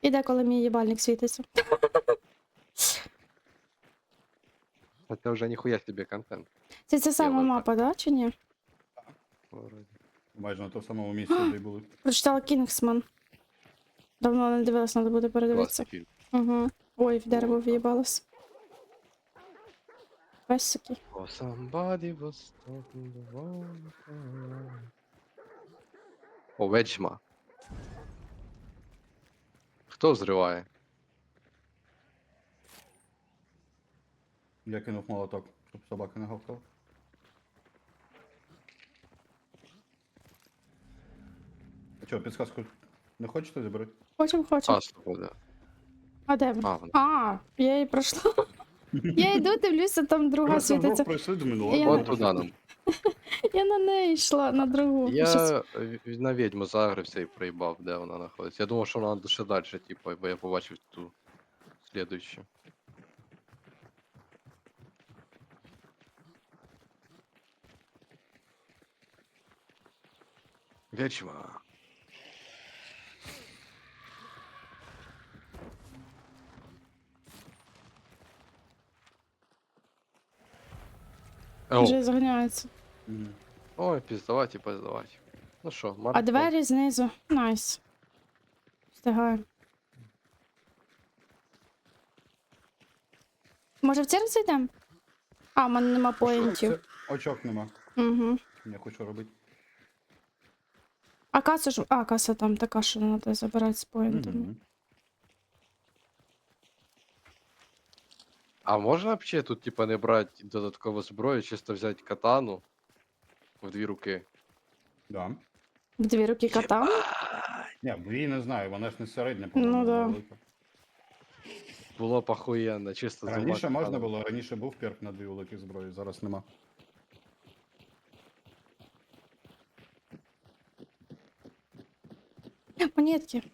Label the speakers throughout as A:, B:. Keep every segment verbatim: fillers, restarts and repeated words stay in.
A: Іде, коли мій їбальник світиться.
B: Это уже нихуя себе контент.
A: Це ця сама
B: Євро,
A: мапа, да, чи ні?
B: Вроде.
C: Майже на тому самому місці, де й були.
A: Прочитала Кінгсман. Давно не дивилась, треба буде передивитися.
B: Классный фильм.
A: Угу. Ой, в дерево
B: О,
A: в'їбалась. Песики.
B: Oh, somebody was talking the wrong time. О, ведьма. Хто взриває?
C: Я кинув молоток, щоб собака не гавкала. А чого, підсказку не хочете забрати?
A: Хочем, хочем.
B: А, свобода.
A: А де ви?
B: А, вона.
A: А, я її пройшла. Я йду, дивлюся, там друга
C: Просто вдвох
A: світиться.
C: пройшли, думаю, ну
A: Я
C: ладно.
B: От туди нам.
A: Я на неї йшла, на другу. Щось-
B: Я е, на ведьму загрився і проїбав, де вона знаходиться. Я думав, що вона ще далі, типу, бо я побачив ту слідуючу. Ведьма. О,
A: Вже заганяється.
C: Мгм.
B: ой, піздавать і піздавать. Ну що,
A: А
B: марафон.
A: двері знизу. Найс. Встигаю. Може в церкву зайдемо? А, в мене нема поінтів.
C: Це очок нема.
A: Угу.
C: Я хочу робити.
A: А каса ж. А, каса там така, що треба забирати з поінтами.
C: Мгм.
B: А можна вообще тут, типа, не брати додаткову зброю, чисто взяти катану в дві руки?
C: Да.
A: В дві руки кота.
C: Ні, бо її не знаю, вона ж не середня,
A: Ну
C: по-моєму,
A: да.
C: вона велика.
B: Було б охуєнно, чисто з
C: Раніше
B: двома
C: можна
B: катанами.
C: було, раніше був перк на дві великі зброї, зараз нема.
A: Монетки.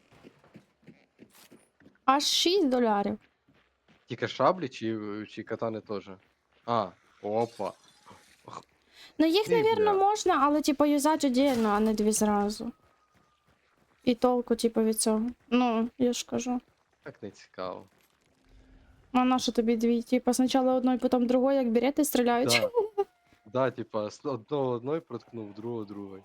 A: Аж шість долярів.
B: Тільки шаблі чи, чи катани теж? А, опа.
A: Ну їх,
B: Ти,
A: навірно,
B: бля.
A: можна, але типу юзати віддільно, а не дві зразу. І толку, типу, від цього. Ну, я ж кажу.
B: Так не цікаво.
A: А на що тобі дві? Типу, спочатку одної, потім другої, як берети, стріляють.
B: Да. Да, типа, с- одного одної проткнув, другого другої.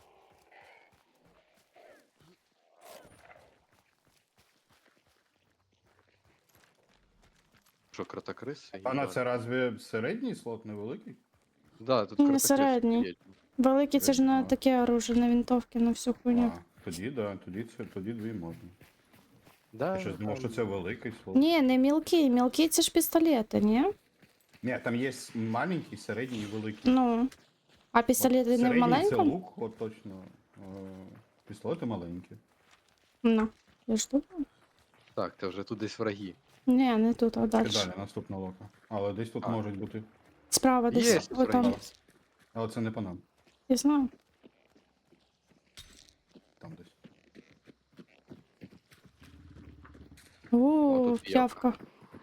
B: Що, кротокриси?
C: Пана,
B: Їбать.
C: це разве середній слот невеликий?
B: Да, тут
A: Не
B: кротокриси
A: середній.
B: є.
A: Великі це ж не
C: Ага.
A: таке оружие, на винтовки, на всю хуйню.
C: А, тоді, да, тоді це тоді дві можна.
B: Да,
C: Я щось думав, що
B: там-
C: це великий слот.
A: Ні, не мілкі. Мілкі це ж пістолети, ні?
C: Ні, там є маленький, середній і великий.
A: Ну. А пістолети не в
C: Середній це
A: маленькому?
C: лук, от точно. Е, Пістолети маленькі.
A: Ну. Я ж тут.
B: Так, це вже тут десь враги.
A: Ні, не тут, а
C: І
A: далі.
C: далі, наступна лока. Але десь тут
B: А.
C: можуть бути.
A: Справа десь.
B: Є,
A: О, там.
B: враги.
C: Але це не по нам.
A: Я знаю.
C: Там десь.
A: О,
B: тут
A: п'явка.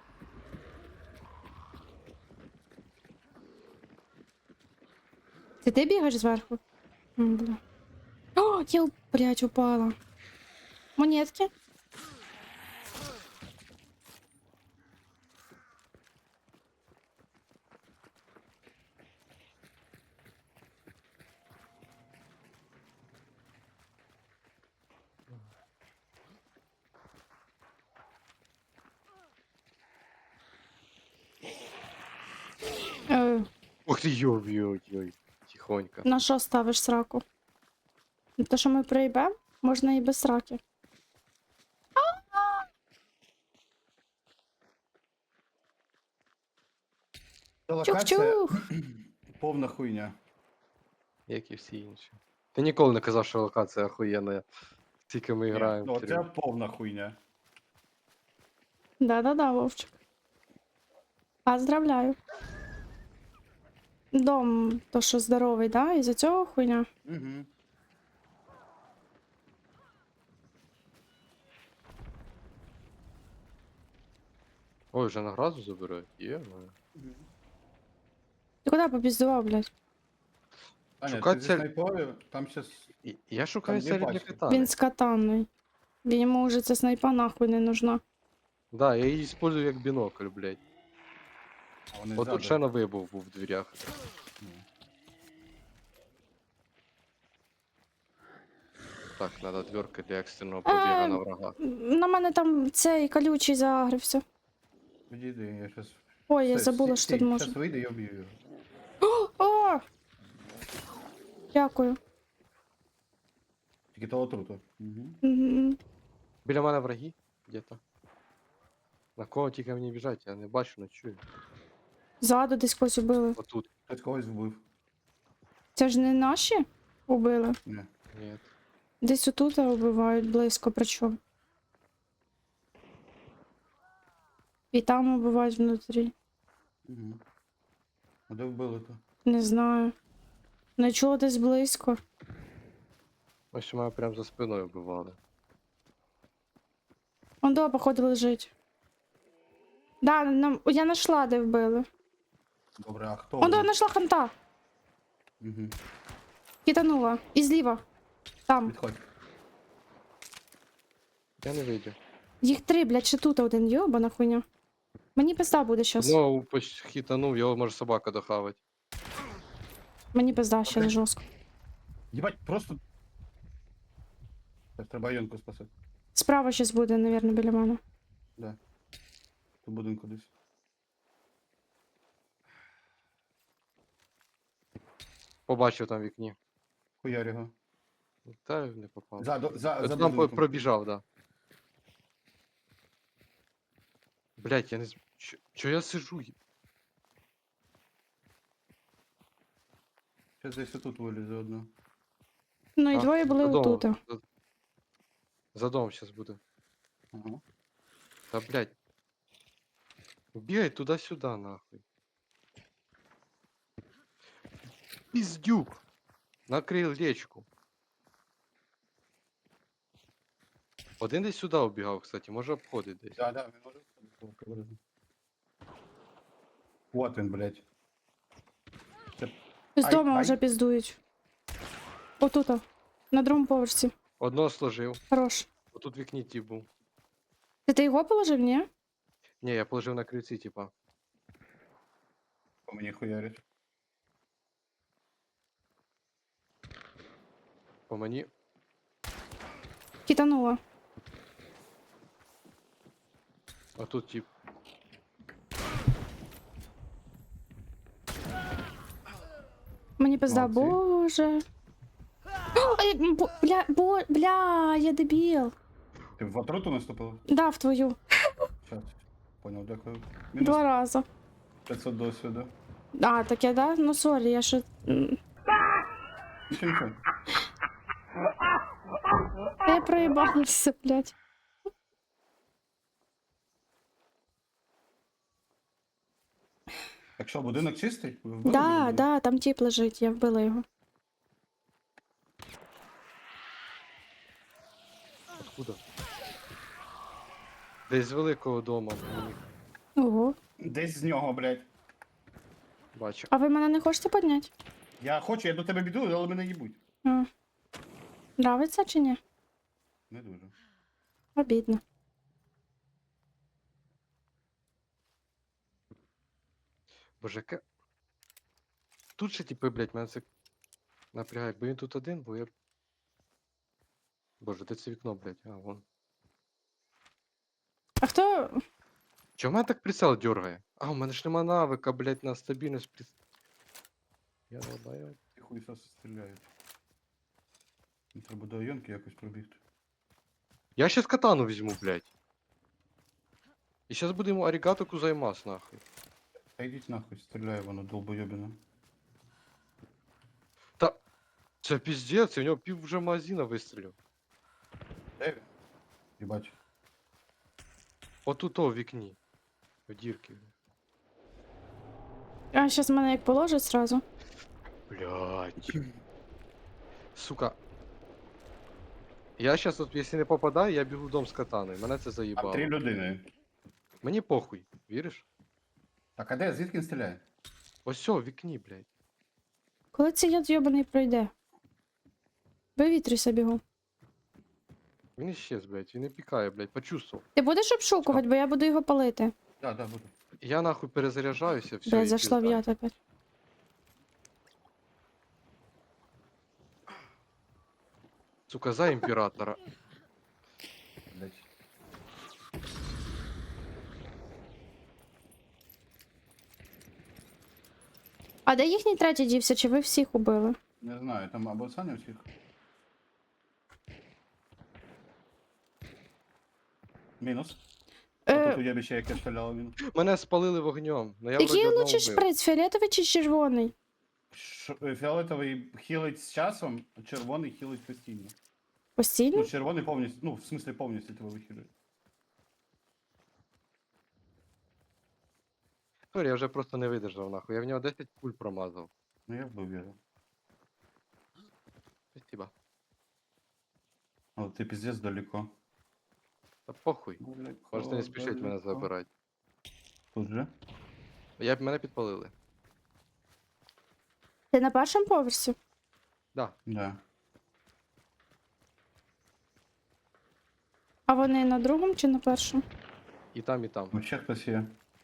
A: Це ти бігаєш зверху? М, Бля. О, я, блядь, упала. Монетки? Е,
B: Ух ти, йой-йой-йой. Тихонько.
A: на що ставиш сраку? На те, що ми проїбемо? Можна і без сраки. Чух-чух!
C: Повна хуйня.
B: Як і всі інші. Ти ніколи не казав, що локація охуєнна. Тільки ми
C: Ні,
B: граємо.
C: ну,
B: в
C: це
B: серію.
C: повна хуйня.
A: Да-да-да, Вовчик. Поздравляю. Дом, то що здоровий, да? Із-за цього хуйня?
C: Угу.
B: Ой, вже награду забирають? Є, ну.
A: Ти куди попіздував, блядь?
C: Аня,
B: Шукать
C: ти зі
B: цель-
C: снайпою, там щас...
B: І- Я шукаю
C: Там є
B: середню
C: пачки.
B: катани.
A: Він з катаною. Він йому вже ця снайпа нахуй не нужна.
B: Да, я її использую як бінокль, блядь.
C: А вони
B: Отут
C: ззаду.
B: ще на вибув був в дверях.
C: Ну.
B: Так, треба дверка для екстреного пробігу
A: Е,
B: на врага.
A: На мене там цей колючий загрився.
C: Підійди, я щас...
A: Ой, я
C: Все,
A: забула,
C: стій,
A: що тут
C: стій,
A: можна.
C: Щас вийде, я вб'ю його.
A: О! Дякую.
C: Тільки того отруту. Угу.
A: Мгм.
B: Біля мене враги где-то. На кого тільки мені біжать, я не бачу, не чую.
A: Ззаду десь когось убили.
B: Отут.
C: Хтось когось вбив.
A: Це ж не наші убили.
C: Ні.
B: Ні.
A: Десь отут убивають близько, причому. І там убивають внутрі.
C: Угу. А де вбили то?
A: Не знаю. Не чула десь близько.
B: Ось у мене прямо за спиною вбивали.
A: Он до, походу, лежить. Да, нам... я нашла, де вбили.
C: Добре, а хто?
A: Он до,
C: вбив?
A: знайшла ханта.
C: Угу.
A: Китанула. І зліва. Там.
C: Відходь.
B: Я не вийду.
A: Їх три, блядь, ще тут один, йобана хуйня. Мені пизда буде щас.
B: Ну, почти хітанув, його може собака дохавать.
A: Мені пизда ще не
C: Окей.
A: жорстко.
C: Єбать, просто... Зараз треба Йонку спасати.
A: Справа щас буде, навірно, біля мене.
C: Да. Тут будинку десь.
B: Побачив там в вікні.
C: Хуярь його.
B: Та не попав.
C: За, до- за,
B: От
C: за
B: там по-
C: будинком.
B: пробіжав, да. Блять, я не з... Чо, чо я сижу?
C: Щас десь отут вилізе одно.
A: Ну і
B: А,
A: двоє були
B: за домом,
A: отут.
B: За, за домом сейчас буде.
C: Ага.
B: Та блять. Бігай туди-сюди, нахуй. Піздюк! На крилечку. Один десь сюди убігав, кстати, може обходить десь.
C: Да, да, він може виходити. Вот він, блядь.
A: З
C: Ай,
A: дому
C: ай.
A: вже піздують. Отут. На другому поверсі.
B: Одного сложив.
A: Хорош.
B: Отут в вікні ті був.
A: Ти, ти його положив, ні?
B: Ні, я положив на крильці, типа.
C: По мені хуярить.
B: По мені.
A: Китанула.
B: А тут тип.
A: Мені пизда,
C: Молодці.
A: боже. Ой, м, бо- бля, бо, бля, я дебіл.
C: Ти в отруту наступила?
A: Да, в твою.
C: Щас. Понял, дякую.
A: Два
C: Мінус
A: рази.
C: п'ятсот досвіду.
A: А, таке, да? Ну сорі, я ще. м,
C: Нічого, нічого.
A: Я проїбалася, блядь.
C: Так що, будинок чистий? Ви вбили
A: Да,
C: будинок?
A: да, там тіп лежить, я вбила його.
B: Откуда? Десь з великого дома. Мені
A: Ого.
C: Десь з нього, блядь.
B: бачу.
A: А ви мене не хочете підняти?
C: Я хочу, я до тебе біду, але мене їбуть.
A: А. Нравиться чи ні?
C: Не дуже.
A: Обідно.
B: Боже, яке... Тут ще типи, блядь, мене це напрягає. Бо він тут один, бо я... Боже, де це вікно, блядь? А, вон.
A: А хто.
B: Чого в мене так прицел дергає? А, у мене ж нема навика, блядь, на стабільність приц... Я не знаю.
C: Ті хуйсоси стріляють. Мені треба до Йонки якось пробігти.
B: Я щас катану візьму, блядь. І щас будемо арігато кузаймас, нахуй.
C: Та йдіть нахуй, стріляє воно, долбойобіна.
B: Та... Це піздець, у нього пів вже магазина вистрілив.
C: Де він? Їбать.
B: Отут о в вікні. В дірки.
A: А зараз мене як положить сразу.
B: Блядь. Сука. Я щас тут, якщо не попадаю, я бігу в дом з катаною. Мене це
C: Там
B: заїбало.
C: три людини.
B: Мені похуй, віриш?
C: Так, а де? Звідки він стріляє?
B: Ось о, в вікні, блядь.
A: Коли цей яд йобаний пройде? Вивітрюйся бігом.
B: Він іщез, блядь, він не пікає, блядь, почувствував.
A: Ти будеш обшукувати, бо я буду його палити.
C: Да, да, буду.
B: Я нахуй перезаряджаюся, все,
A: Блядь,
B: і
A: зайшла в
B: пізда.
A: яд опять.
B: Сука, за імператора.
C: Блять.
A: А де їхній третій дівся, чи ви всіх убили?
C: Не знаю, там або Саня всіх. Мінус. А
A: Е,
C: тут уєбище, яке стріляло мінус.
B: Мене спалили вогнем, но я вроді
A: який
B: одного
A: лучше
B: вбив.
A: шприц, фіолетовий чи червоний?
C: Ш- е, Фіолетовий хілить з часом, а червоний хілить постійно.
A: Постійно?
C: Ну, червоний повністю, ну, в смислі повністю тебе вихилює.
B: Сорі, я вже просто не видержав, нахуй. Я в нього десять пуль промазав.
C: Ну я вбив його.
B: Спасибо.
C: Але ти піздець далеко.
B: Та похуй.
C: Далеко,
B: Можете не спішить мене
C: далеко.
B: забирати.
C: Тут же?
B: Я б мене підпалили.
A: Ти на першому поверсі?
B: Да.
C: Да.
A: А вони на другому чи на першому?
B: І там, і там.
C: Вообще хтось є.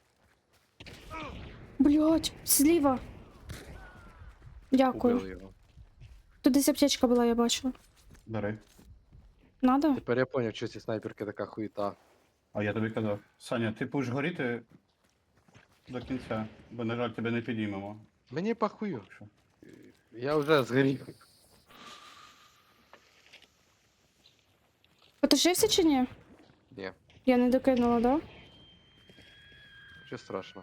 A: Блять, зліва. Дякую.
B: Убили його.
A: Тут десь аптечка була, я бачила.
C: Бери.
A: Надо?
B: Тепер я поняв, що ці снайперки така хуєта.
C: А я тобі казав. Саня, ти будеш горіти до кінця, бо, на жаль, тебе не підіймемо.
B: Мені похую.
C: Що?
B: Я вже згорів.
A: Потушився чи ні?
B: Ні,
A: Я не докинула, да?
B: що страшно.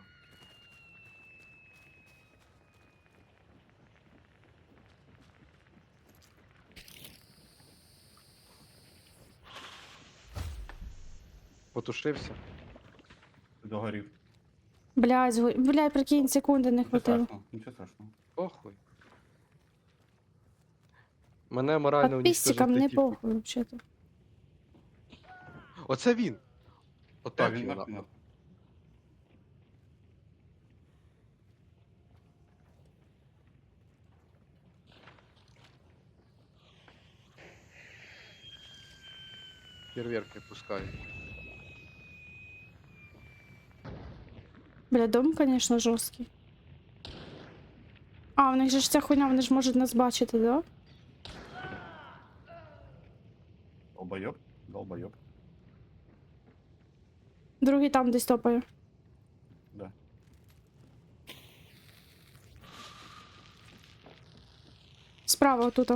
B: Потушився.
C: Ти догорів.
A: Блядь, зго... блядь, прикинь, секунди не
C: Нічого
A: хватило.
C: страшного, нічого страшного.
B: Похуй. Мене морально
A: Подписчикам не
B: уничтожити тільки.
A: похуй, взагалі.
B: Оце він!
C: Так,
B: Отак
C: він
B: він.
C: нахуй.
B: нахуй. Фейерверки пускають.
A: Бля, дом, конечно, жорсткий. А, у них же ж ця хуйня, вони ж можуть нас бачити, да?
C: Долбойоб? Долбойоб.
A: Другий там десь топає.
C: Да.
A: Справа отут.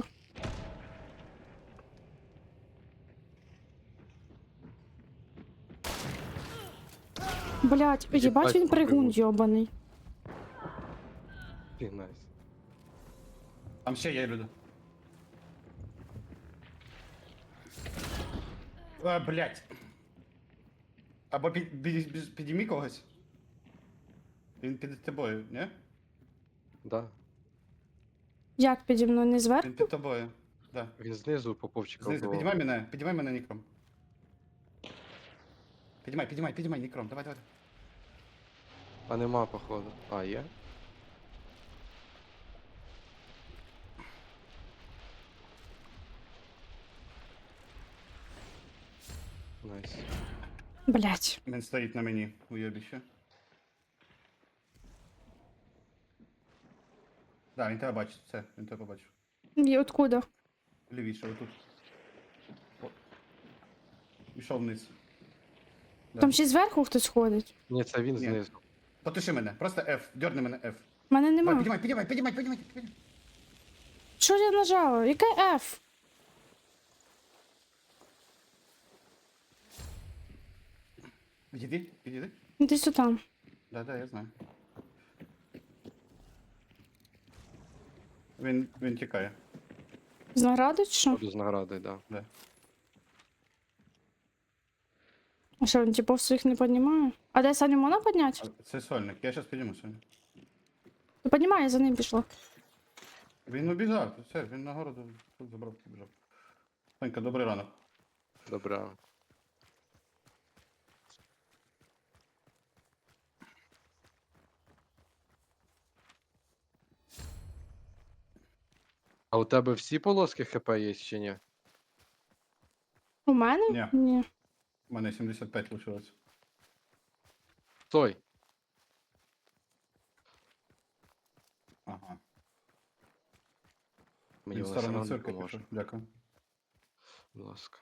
A: Блять, їбать він пригун йобаний.
B: Ти найс.
C: Там ще є люди. А, блять. Або під, під, під, підіймі когось. Він під тобою, не?
B: Да.
A: Як піді мною, не зверху?
C: Він під тобою. Да.
B: Він знизу поповчика
C: Знизу,
B: вбивав.
C: підіймай мене, підіймай мене нікром. Підіймай, підіймай, підіймай нікром, давай, давай.
B: А нема, походу. А, є? Найс.
A: Блять.
C: Він стоїть на мені, уйобіще. Да, він тебе бачить, все, він тебе побачив.
A: І откуда?
C: Лівіше, отут. О. Пішов вниз. Да.
A: Там ще зверху хтось ходить.
B: Ні, це він
C: Ні.
B: знизу.
C: Потуши мене, просто F, дерни мене F.
A: Мене
C: Давай,
A: нема.
C: підіймай, підіймай, підіймай, підіймай, підіймай.
A: Що я нажала? Яке F?
C: Підійди, підійди.
A: Десь там.
C: Да, да, я знаю. Він, він тікає.
A: З награди чи що?
B: Буду з наградою, да.
C: Да.
A: А що, він типу своїх не піднімає? А де Саню можна підняти?
C: А, це сольник, я зараз підійму сьогодні.
A: То піднімає, я за ним пішла.
C: Він убіжав, все, він на городу тут забрав, побіжав. Сонька, добрий ранок.
B: Добре. А у тебе всі полоски ХП є чи ні?
A: У мене?
C: Ні.
A: Ні.
C: У мене сімдесят п'ять лишилось.
B: Стой!
C: Ага.
B: Мені
C: Він в
B: вона
C: сторону
B: сама не
C: цирку
B: поможе.
C: пішов. Дякую.
B: Будь ласка.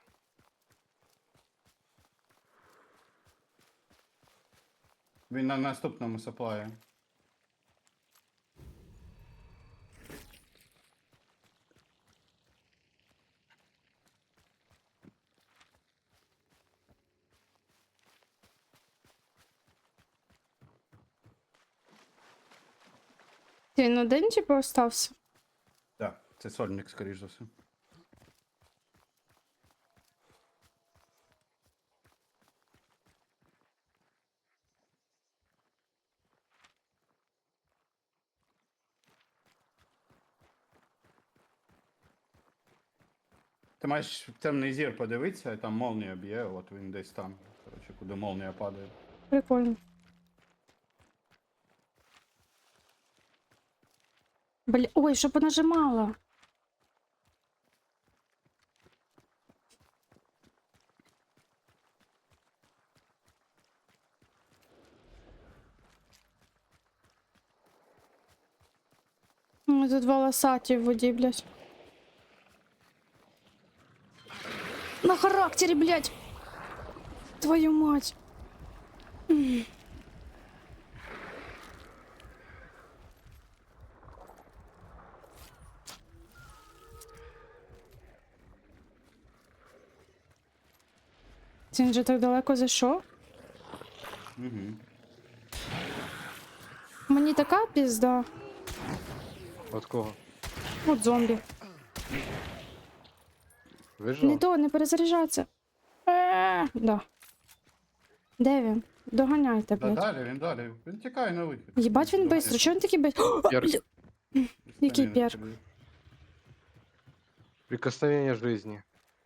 C: Він на наступному саплаї.
A: Він один типу остався?
C: Так, це сольник, скоріш за все. Ти маєш в темний зір подивитися, і там молнія б'є, от він десь там. Коротше, куди молнія падає.
A: Прикольно. Бля, ой, що понажимала. Ой, тут волосаті в воді, блядь. На характері, блядь. Твою мать. М. Це Він же так далеко зайшов.
C: Угу.
A: Мені така пізда.
B: От кого?
A: От зомбі.
B: Вижив?
A: Не то, не перезаряджаться. Е, да. Де він? Доганяйте,
C: Да,
A: блядь.
C: далі, він далі. Він тікає на вихід.
A: Єбать він
C: Доганяє.
A: бистро, чого він такий бистро?
B: Перк.
A: Який
C: Стані
A: перк?
C: на тобі.
B: Прикосновение жизни.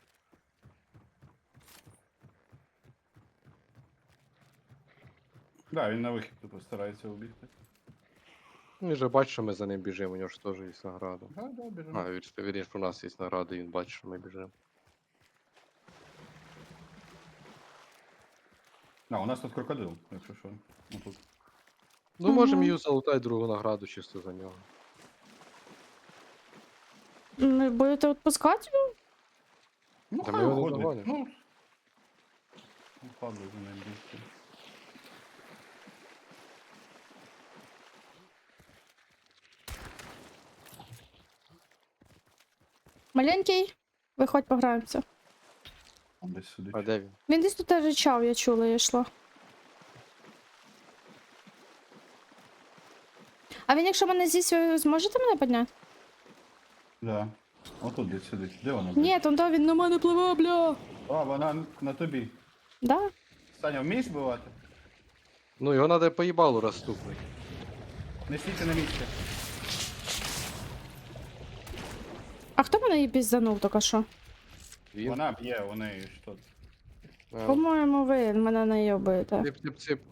C: Да, він на вихід тупо старається убігти.
B: Ну, він же бачить, що ми за ним біжимо, у нього ж теж є награда.
C: Да, да, біжимо.
B: А, він ж вірніше, що у нас є награда, і він бачить, що ми біжимо.
C: А, у нас тут крокодил, якщо що. Ну, тут.
B: Ну,
A: Мгм.
B: можемо її залутати другу награду чисто за нього.
A: Ви будете відпускати його?
C: Ну,
B: Та
C: хай
B: ми його не
C: уходить.
B: догонимо.
C: Ну, ну, падає за ним бігти.
A: Маленький, виходь пограємося.
C: Он десь сидить.
B: А де він?
A: Він десь тут ричав, я чула, я йшла. А він, якщо мене з'їсть, ви зможете мене підняти?
C: Да. Отут десь сидить. Де вона?
A: Ні, там да, він на мене пливе, бля.
C: А, вона на тобі.
A: Да?
C: Саня, вмієш бивати?
B: Ну, його треба по їбалу розступити.
C: Не стійте на місці.
A: А хто мене її пізданув тільки що?
B: Він.
C: Вона б'є, у неї що.
B: А,
A: По-моєму, ви мене найобуєте.
B: Цip, цip, цip.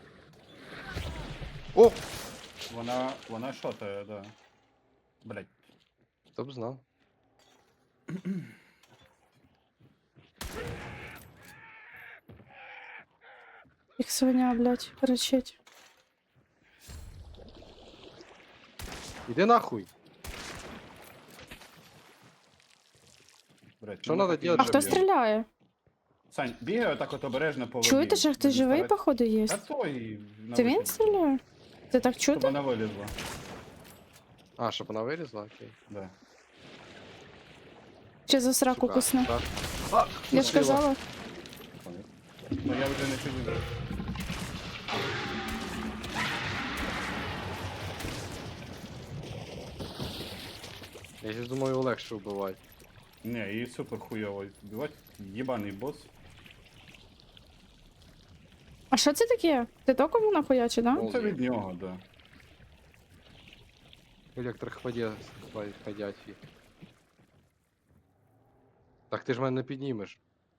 B: О!
C: Вона, вона шотає, да. Блять.
B: Хто б знав.
A: Їх свиня, блядь, кричить.
B: Іди нахуй.
C: Блять.
B: Що надо делать,
A: А хто стріляє?
C: Сань, бігай отак от обережно по воді.
A: Чуєте, що хтось
C: Він
A: живий,
C: старається-
A: походу, є?
C: А той на
A: Це він
C: вихід.
A: стріляє? Це так
C: Щоб
A: чути?
C: вона вилізла.
B: А, щоб вона вилізла? Окей.
C: Да.
A: Чи за сраку
B: Сука,
A: кусне?
B: так. А,
A: Я ж
B: вкусила.
A: казала.
C: Ну я вже не сиджу.
B: Я ж думаю, його легше вбивати.
C: Не, її супер хуйово вбивати. Єбаний бос.
A: А що це таке? Ти током вона хуячить, да?
C: Ну це від нього, да.
B: Електроходя ходячі. Так ти ж мене не піднімеш.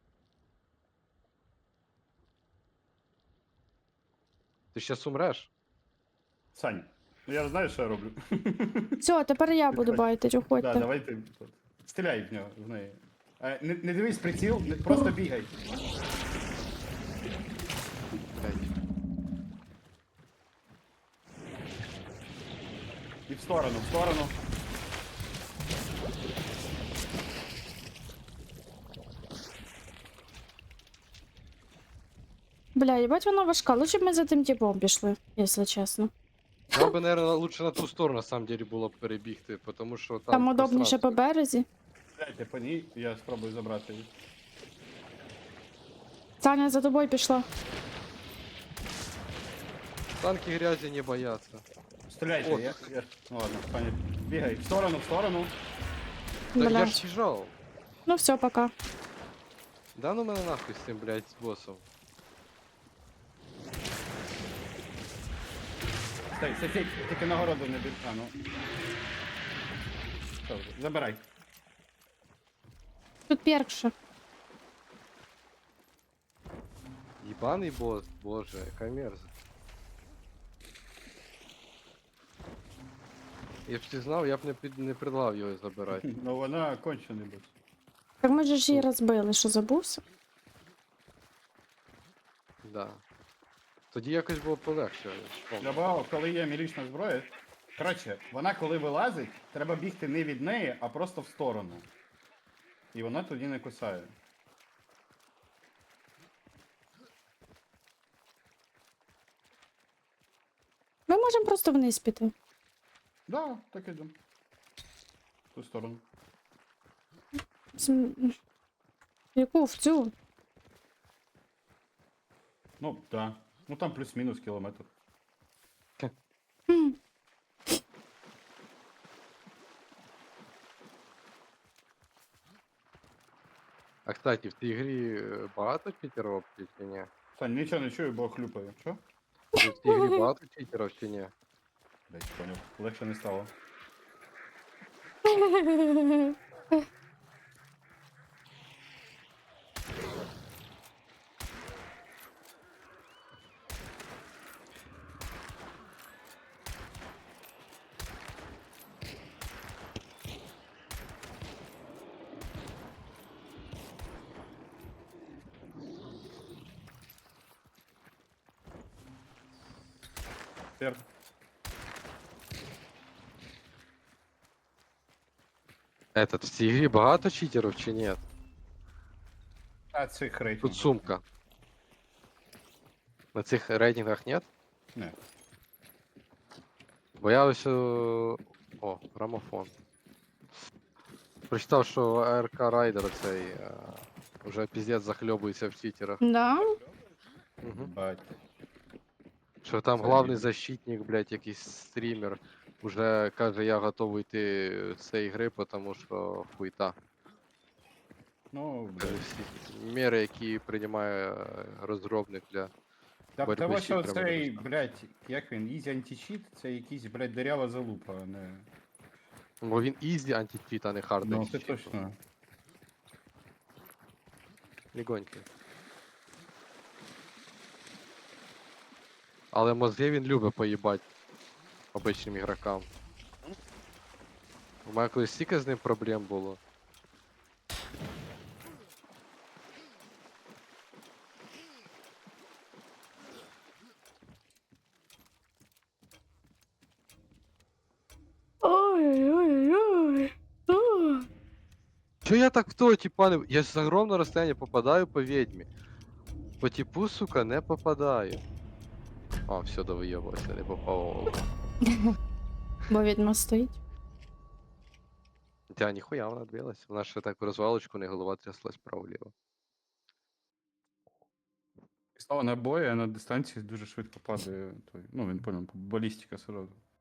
B: Ти щас умреш?
C: Сань, ну я знаю, що я роблю.
A: Все, тепер я буду
C: Підходь.
A: байтить,
C: Да,
A: уходьте.
C: давай ти. Стріляй в нього, в неї. Е, не, не дивись приціл, не- просто бігай.
B: Блядь.
C: І в сторону, в сторону.
A: Бля, їбать вона важка. Лучше б ми за тим типом пішли, якщо чесно.
B: Нам би, наверное, лучше на ту сторону, на самом деле, було б перебігти, тому що там,
A: Там удобніше по
B: пространство.
A: березі.
C: Дайте по ній, я спробую забрати її.
A: Таня за тобою пішла.
B: Танки грязі не бояться.
C: Стріляйте,
B: О,
C: я, я... Ну ладно, пані. Бігай, в сторону, в сторону.
B: Та я
A: Блядь.
B: ж біжав.
A: Ну все, пока.
B: Да ну мене нахуй з цим, блядь, з босом.
C: Стой, стой, стой, тільки нагороду не біг. А, ну. Що, забирай.
A: Тут перкша.
B: Єбаний бос, боже, яка мерзость. Я б ти знав, я б не, під, не предлагав його забирати.
C: Ну вона кончений бос.
A: Так ми же ж її розбили, що забувся?
B: Да. Тоді якось було полегше. я ж пам'ятаю.
C: Добавив, коли є мілічна зброя. Коротше, вона коли вилазить, треба бігти не від неї, а просто в сторону. І вона тоді не кусає.
A: Ми можемо просто вниз піти.
C: Да, так ідемо. В ту сторону.
A: См- Яку в цю?
C: Ну, да. Ну там плюс-мінус кілометр.
A: Хм.
B: А кстати, в цій грі е, багато читерів чи ні?
C: Сань, нічого не чую, бо хлюпаю. Що?
B: В цій грі багато читерів чи ні?
C: Десь поняв. Легше не стало. Тепер.
B: Этот, в цій грі багато читерів чи ні?
C: А цих рейтингів.
B: Тут сумка. На цих рейтингах нет?
C: Не.
B: Бо я ось. О, о, грамофон. Прочитав, що АРК Райдер цей е, вже піздець захльобується в читерах.
A: Да?
B: Угу.
C: Бать.
B: Що там
C: Це
B: главний
C: ні.
B: защитник, блядь, якийсь стрімер, уже каже, я готовий йти з цієї гри, тому що хуйта.
C: Ну,
B: Каже,
C: блядь.
B: всі міри, які приймає е, розробник для.
C: Та
B: боротьби
C: того,
B: з
C: що
B: читерами
C: цей,
B: недостатньо.
C: блядь, як він, Easy Anti-Cheat, це якийсь, блядь, дирява залупа, а не...
B: Бо він ізі античіт, а не хард
C: Ну, це
B: античіт.
C: точно.
B: Легонький. Але мозги він любить поїбать обичним ігрокам. У мене колись стільки з ним проблем було.
A: Ой-ой-ой.
B: Чё я так в того типа не... Я з огромного розстояння попадаю по ведьмі. По типу, сука, не попадаю. А, все, довийобувався, не попав.
A: Бо відьма стоїть.
B: Тя, ніхуя вона двилась. Вона ще так в розвалочку, не голова тряслась право-ліво.
C: Стало набої, а на дистанції дуже швидко падає той. Ну, він понял, балістика сразу.